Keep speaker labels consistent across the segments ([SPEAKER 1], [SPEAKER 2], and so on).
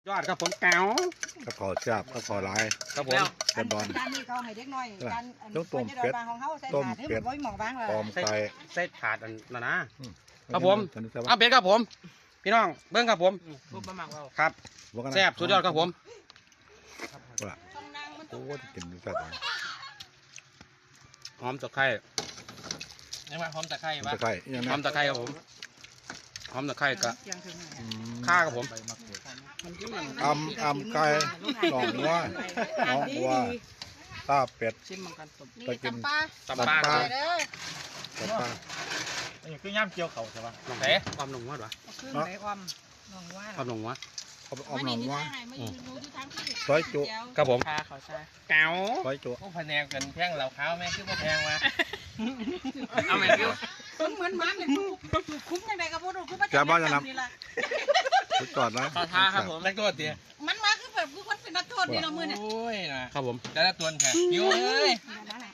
[SPEAKER 1] ยอดครับผมแก้ว
[SPEAKER 2] ก็ขอจับก็ขอลาย
[SPEAKER 1] ครับผม
[SPEAKER 2] เต็มบอล
[SPEAKER 3] จานนี้เขาให้เด็กน้อยจาน
[SPEAKER 2] ต้องต้มเป็ด
[SPEAKER 3] ของเขาใส่
[SPEAKER 2] ต้ม
[SPEAKER 3] ถาดให้
[SPEAKER 2] เป็
[SPEAKER 3] มั
[SPEAKER 2] ด
[SPEAKER 3] นไว้หมองบ้างเลย
[SPEAKER 2] ปอมไก่
[SPEAKER 1] เส้นถาดอันนั้นนะครับ
[SPEAKER 2] ผ
[SPEAKER 1] ผม อ้าวเป็ดครับผม พี่น้องเบิ้งครับผม
[SPEAKER 4] รูปประมาณเรา
[SPEAKER 1] ครับแซ่บสุดยอดครับผม
[SPEAKER 2] โอ้ยกินแซ่บเลย
[SPEAKER 1] หอมตะไคร้
[SPEAKER 4] เนี่ยมาพร้อมตะไคร้
[SPEAKER 2] มัน
[SPEAKER 4] ปะ
[SPEAKER 2] จะไข่ยัง
[SPEAKER 1] หอมตะไคร้ครับผมหอมตะไคร้กับ
[SPEAKER 3] ยังถึง
[SPEAKER 1] ข้าครับผม
[SPEAKER 2] อำไก่หนองวัวหนองวัวตาเป็ด
[SPEAKER 4] ชิมมันกันสม
[SPEAKER 2] ไปกิน
[SPEAKER 1] ตำปลาครับ
[SPEAKER 2] กับปลา
[SPEAKER 4] นี่คือย่ำเจียวเขาใช่ปะ
[SPEAKER 1] น้องเอ๋ความหนุ่มวัดวะ
[SPEAKER 3] ขึ้นไหนอมน้องว่า
[SPEAKER 1] ความหนุ่มวัด
[SPEAKER 2] เอาไปออมหนองวัว
[SPEAKER 3] ซ
[SPEAKER 2] ซอยจุ
[SPEAKER 1] ครับผม
[SPEAKER 4] ชาเขาใช่
[SPEAKER 1] แก้ว
[SPEAKER 2] ซอยจุ
[SPEAKER 4] พวกพะแนงกันแพงเหล่าขาวแม่คือพวกแพงมา
[SPEAKER 1] เอาแม่กิ้ว
[SPEAKER 3] เหมือนมันเลยคุ้มยังไงกับพวกเราคุ้ม
[SPEAKER 2] สุดยอดนะ
[SPEAKER 4] ขอทาครับผมนักโทษเดีย
[SPEAKER 3] มันมาคือแบบคือคนเป็นนักโทษนี่เรามือเนี่ย
[SPEAKER 4] โอ้ยนะครับ
[SPEAKER 1] ผม
[SPEAKER 4] แต่ละตัวแค่หิวเอ้ย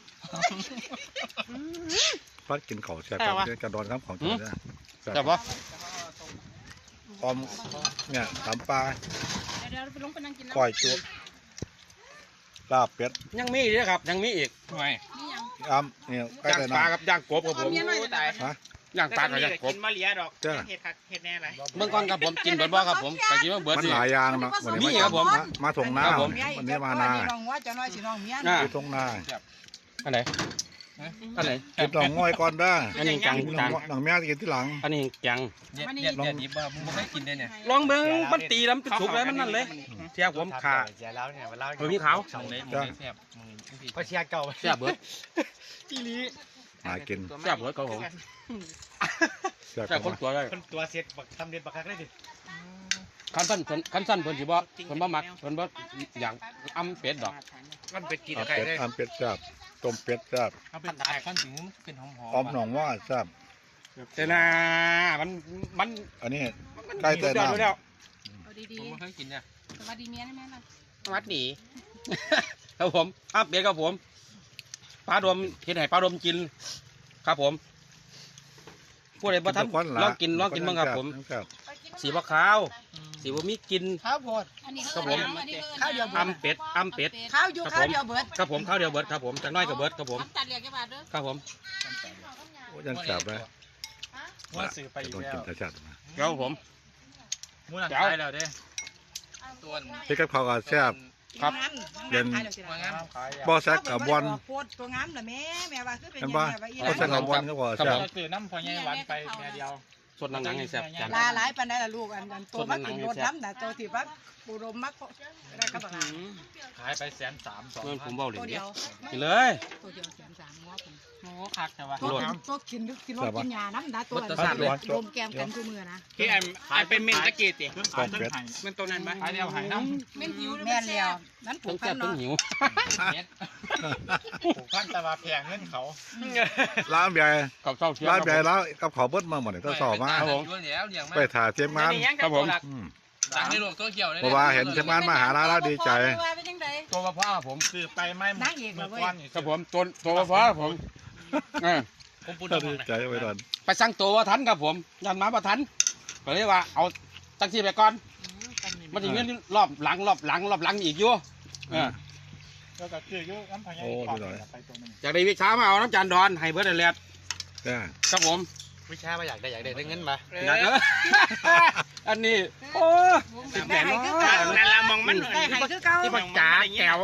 [SPEAKER 2] พัดกินข้าวแซ่บกระดอนครับของจริงนะ
[SPEAKER 1] จับปะ
[SPEAKER 2] ออมเนี่ยตำปลา
[SPEAKER 3] เดี๋ยวไปลงไปนั่งกิน
[SPEAKER 2] ก้อยจุลาบเป็ด
[SPEAKER 1] ยังมีอีกครับยังมีอีก
[SPEAKER 4] ทำไม
[SPEAKER 3] นี่ยัง
[SPEAKER 2] อ้ำเนี่ยใกล้
[SPEAKER 1] ย่าง
[SPEAKER 2] แต่
[SPEAKER 1] ปลา
[SPEAKER 2] น้ำ
[SPEAKER 1] กับย่างกบครับผม
[SPEAKER 4] ตาย
[SPEAKER 2] ฮะ
[SPEAKER 1] ย่างปลากับย่างกบ
[SPEAKER 4] กินมะเลียดอก
[SPEAKER 2] จ้า
[SPEAKER 4] เห็ดคักเห็ดแน่ไร
[SPEAKER 1] เบื้องก้อนครับผมกินเบิร์ดบ่ครับผมไปกินเบิร์ด
[SPEAKER 2] มัน
[SPEAKER 1] สิ
[SPEAKER 2] หลายอย่างเนาะวันนี้
[SPEAKER 1] มีครับผม
[SPEAKER 2] มาถงหน้า
[SPEAKER 1] ครับผม
[SPEAKER 2] วันนี้มานา
[SPEAKER 3] น้องว่าจะน้อยสิน้องเมีย
[SPEAKER 1] อ่า
[SPEAKER 2] ไปถงหน้า
[SPEAKER 1] อันไหนอันไหน
[SPEAKER 2] กินหนองง่อยก่อนได้
[SPEAKER 1] อันนี้จัง
[SPEAKER 2] กินหน
[SPEAKER 1] จั
[SPEAKER 2] อง งหนองแม่กินที่หลัง
[SPEAKER 1] อันนี้จัง
[SPEAKER 4] เด็ดดิบว่ามึงไม่เคยกินเลยเนี่ย
[SPEAKER 1] ลองเบิ้งมันตีแล้วมันสุกเลยมันนั่นเลยเทียบผมขา
[SPEAKER 4] เสียแล้วเนี่ยมาเล่า
[SPEAKER 1] เออมีขาว
[SPEAKER 4] มึงเลยแซ่บพอเชียเก่า
[SPEAKER 1] เสียบเบิร์ด
[SPEAKER 4] อีลี
[SPEAKER 2] หากิน
[SPEAKER 1] เสียบเบิร์ดครับผม
[SPEAKER 2] แซ่บ
[SPEAKER 1] เสียบคนตัวได้
[SPEAKER 4] คนตัวเสียดบักทำเด็ดบักคักได้ดิ
[SPEAKER 1] คันสั้นเพิ่นสิบ่เพิ่นบ่มักเพิ่นบ่อย่างอ้ำเป็ดดอก
[SPEAKER 4] มันเป็ดกิน
[SPEAKER 2] เอา
[SPEAKER 4] ไข่
[SPEAKER 2] เป็ด
[SPEAKER 4] ได้
[SPEAKER 2] อ้ำเป็ดแซ่บต้มเป็ดแซ่บ
[SPEAKER 4] เอาเป็นตายขั้นถึงเป็นหอม
[SPEAKER 2] ออมหนองว่าแซ่บ
[SPEAKER 1] แต่น่ะมัน
[SPEAKER 2] อันนี้ใกล้แต่
[SPEAKER 1] สุดยอด
[SPEAKER 2] น้ำ
[SPEAKER 1] อยู่แล้ว
[SPEAKER 3] เอาดี
[SPEAKER 4] ผมไม่เคยกินเนี่ย
[SPEAKER 3] ๆสวัสดีเมียนะแม่ล่ะ
[SPEAKER 1] วัดหนี ครับผมอ้ำเป็ดครับผมปลาดมเฮ็ดให้ปลาดมกิน ครับผมผู้ใดบ่ทันลองกินบ้างครับผม
[SPEAKER 2] แซ่บ
[SPEAKER 1] สีบ่ขาว สีบ่มีกลิน
[SPEAKER 4] ข้าวโพด
[SPEAKER 3] อันนี้
[SPEAKER 1] ครับผม
[SPEAKER 3] ข้าวเดียว
[SPEAKER 1] อ้ำเป็ด
[SPEAKER 3] ข้าวอยู่ข้าวเดียวเบิด
[SPEAKER 1] ครับผมข้าวเดียวเบิดครับผมจากน้อยกับเบิดครับผม
[SPEAKER 3] ตัดเหลียกกี่บาทเด้อ
[SPEAKER 1] ครับผม
[SPEAKER 2] โอ้ยังแซ่บเลย
[SPEAKER 4] ว่าสื่อไปอยู่
[SPEAKER 2] ต้อง
[SPEAKER 4] แล้
[SPEAKER 2] กิน
[SPEAKER 4] ว
[SPEAKER 2] แต่แซ่บนะ
[SPEAKER 1] ครับผม
[SPEAKER 4] มูนันตายแล้วเด้ตัว
[SPEAKER 2] พี่กับเขาวก็แซ่บ
[SPEAKER 1] ครับ
[SPEAKER 2] เย็น
[SPEAKER 4] ว่างาม
[SPEAKER 2] บ่แซ่บกับบอล
[SPEAKER 3] โคตรตัวงามเหรอแม่ว่าคือเป็น
[SPEAKER 2] เห็น
[SPEAKER 3] ยัง
[SPEAKER 2] ปะ
[SPEAKER 3] ไงว่าอี
[SPEAKER 2] บ่แซ่บกับบอลก็บ่แซ่บ
[SPEAKER 4] เราตื่นน้ำพอใหญ่หวานไปแม่เดียว
[SPEAKER 1] สดหนังๆให้แซ่บจาน
[SPEAKER 3] ลาหลายปานใดล่ะลูกอันตัวมักกินรถน้ำน่ะตัวที่ว่าปูรมมักได้ครับบัก
[SPEAKER 4] ขายไป130,002
[SPEAKER 1] เงินผมเบาเหรีย
[SPEAKER 3] ตัว
[SPEAKER 1] ญ
[SPEAKER 3] เดี
[SPEAKER 1] เดี
[SPEAKER 3] ย
[SPEAKER 1] ยว วกินเลย
[SPEAKER 3] ตัวเดียวแสนสามง้อผม
[SPEAKER 4] โอ้คักใช่ปะ
[SPEAKER 3] ตัวกินรถกินยาน้ำดาตัวรวมแกมกันทุกมือนะ
[SPEAKER 4] ที่ไอ้เป็นเมนตะกี้ติ
[SPEAKER 2] ต้มเป็ด
[SPEAKER 4] มันตัวนั้นไหมขายเดียวหายน้ำ
[SPEAKER 3] แม่นหิวแม่นแล้วนั่นผู
[SPEAKER 1] ทั้
[SPEAKER 3] ก
[SPEAKER 1] ง
[SPEAKER 3] พั
[SPEAKER 1] แซ่
[SPEAKER 3] น
[SPEAKER 1] บทั้ง
[SPEAKER 3] เนาะ
[SPEAKER 1] หิว
[SPEAKER 4] ผูกพันตะวาแพงเงินเขา
[SPEAKER 2] ร้านใหญ่
[SPEAKER 1] กับเศร้าเชียว
[SPEAKER 2] ร้านใหญ่แล้วกับขอเบิ้ลมาหมดเลยก็สอบมา ไปถ่ายเทียมงาน
[SPEAKER 1] ครับผม
[SPEAKER 4] สั่งในโลกโซเชียลเลย
[SPEAKER 2] เพราะว่าเห็นเทียมงานมาหาร้านแล้วดีใจ
[SPEAKER 1] ตัวมะพร้าวผม
[SPEAKER 4] ซื้อไปไม่เมื่อวัน
[SPEAKER 1] ครับผมตัวมะพร้าวผมเออ
[SPEAKER 4] ผมพูด
[SPEAKER 2] ดีใจไว้ก่อน
[SPEAKER 1] ไปสั่งตัวว่าทันครับผมยันมาประทันก็เลยว่าเอาจังซี่ไปก่อนมันจะเงินรอบหลังอีกอยู่เออ
[SPEAKER 4] แล้วก็คือยุ่งน้ำพายไปตัวนึง
[SPEAKER 1] จากได้วิชามาเอาน้ำจานดอนให้เบิร์ดแลด
[SPEAKER 2] จ้า
[SPEAKER 1] ครับผม
[SPEAKER 4] วิชามาอยากได้เงินมา
[SPEAKER 1] อยากอันนี้โอ้ติดแหนเนาะ
[SPEAKER 4] นั่นละมองมัน
[SPEAKER 3] ได้ให้คือเก่า
[SPEAKER 1] ที่ปักจ๋าแก้ว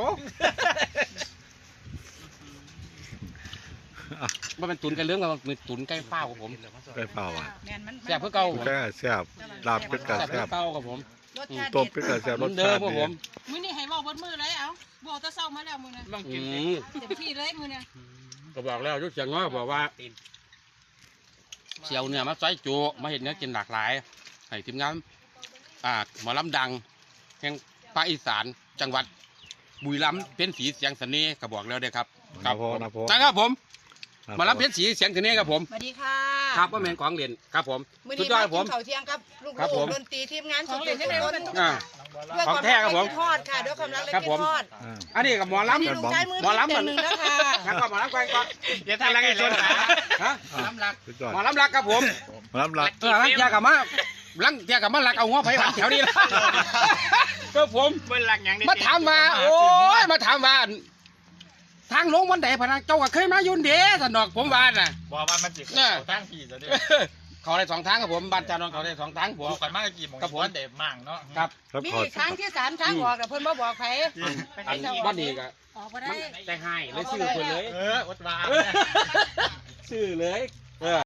[SPEAKER 1] มันเป็นตุนกันเรื่องกับมันตุนใกล้เป้าครับผม
[SPEAKER 2] ได้เปล่าอ่ะ
[SPEAKER 1] แซ่บเพื่อเก่า
[SPEAKER 2] แซ่บแซ่บลาบเป็ดกับ
[SPEAKER 1] แซ่บ
[SPEAKER 2] แซ่
[SPEAKER 1] เพื่อบ เก่าครับผม
[SPEAKER 2] ต้มเป็ดกับแซ่บ
[SPEAKER 1] เห
[SPEAKER 2] ร
[SPEAKER 1] มือ
[SPEAKER 2] ส
[SPEAKER 1] นเดิ
[SPEAKER 2] ชาม ติ
[SPEAKER 1] ครับ
[SPEAKER 2] ดี
[SPEAKER 1] ผม
[SPEAKER 3] มื้อนี้ให้เว้าเบิดมื้อเลยเอ้าบ่ตะเช้ามาแล้วมื้อนี้
[SPEAKER 4] ต้อง
[SPEAKER 1] อื
[SPEAKER 4] กิน
[SPEAKER 1] ม
[SPEAKER 3] เต็มที่เลยมื้อนี้
[SPEAKER 1] ก็บอกแล้วยุทธเสียงน้อยบอกว่าเสี่ยวเนี่ยมาใส่จูมาเห็นเนื้อกินหลากหลายให้ทีมงานหมอลำดังแห่งภาคอีสานจังหวัดบุรีรัมย์เป็นสีเสียงเสน่ห์ก็บอกแล้วเด้อครับ
[SPEAKER 2] นะโพนะโพ
[SPEAKER 1] นะครับผมหมาลำเพชรสีเสียงเสน่ห์ครับผม
[SPEAKER 3] สวัสดีค่ะ
[SPEAKER 1] ครับว่าแมนของเรียนครับผม
[SPEAKER 3] มื้อ
[SPEAKER 1] สุ
[SPEAKER 3] นี้
[SPEAKER 1] ดยอ
[SPEAKER 3] มา
[SPEAKER 1] ดครับ
[SPEAKER 3] กิ
[SPEAKER 1] ผ
[SPEAKER 3] น
[SPEAKER 1] ม
[SPEAKER 3] ข้าวเที่ยงครับลูก
[SPEAKER 1] ครับผม
[SPEAKER 3] ดนตรีทีมงานสุดทุกคน
[SPEAKER 1] อ่า
[SPEAKER 3] ด้วย
[SPEAKER 1] ของแท้ครับผม
[SPEAKER 3] ทอดค่ะด้วยความรักและ
[SPEAKER 1] ครับ
[SPEAKER 3] กิ
[SPEAKER 1] ผ
[SPEAKER 3] น
[SPEAKER 1] ม
[SPEAKER 3] ทอด
[SPEAKER 1] อันนี้กับหมอ
[SPEAKER 3] อันนี้
[SPEAKER 1] ลำ
[SPEAKER 3] ลุงใช้มือ
[SPEAKER 1] หมอลำ
[SPEAKER 3] เต็มหนึ่งแล้วค่ะ
[SPEAKER 1] งั้นก็หมอลำก่อน
[SPEAKER 4] เดี๋ยวทำอะไรกันชน
[SPEAKER 1] ฮะ
[SPEAKER 4] น้ำหลัก
[SPEAKER 2] สุดยอด
[SPEAKER 1] หมอลำรักครับผม
[SPEAKER 2] น้ำหลัก
[SPEAKER 1] นั่นยากับมาลังเทียกับมาลักเอาหัวไผ่หวานแถวนี้ละครับผม
[SPEAKER 4] เบิ้ลหลักอย่างนี้
[SPEAKER 1] มาถามว่าโอ้ยมาถามว่าทางลงวันไหนพะนะเจ้าก็เคยมายุ่นเด้สนอกผมว่าน่ะ
[SPEAKER 4] บอกว่ามันจิกตั้งผีซะด้วย
[SPEAKER 1] เขาได้2 ทางครับผมบ้านจานนท์เขาได้2 ทางผม
[SPEAKER 4] ดูกันมากกี่โมงวันเด็มั่งเนาะ
[SPEAKER 1] ครับ
[SPEAKER 2] แล้ว
[SPEAKER 3] มี
[SPEAKER 2] ขอ
[SPEAKER 3] ครั้งที่3ทางออกแต่เพิ่นบ่บอกใคร
[SPEAKER 1] อันวันนี้ก็
[SPEAKER 3] ออกบ่ได้
[SPEAKER 1] ใจหายเลยซื้อคนเลย
[SPEAKER 4] วัดวา
[SPEAKER 1] ซื้อเลย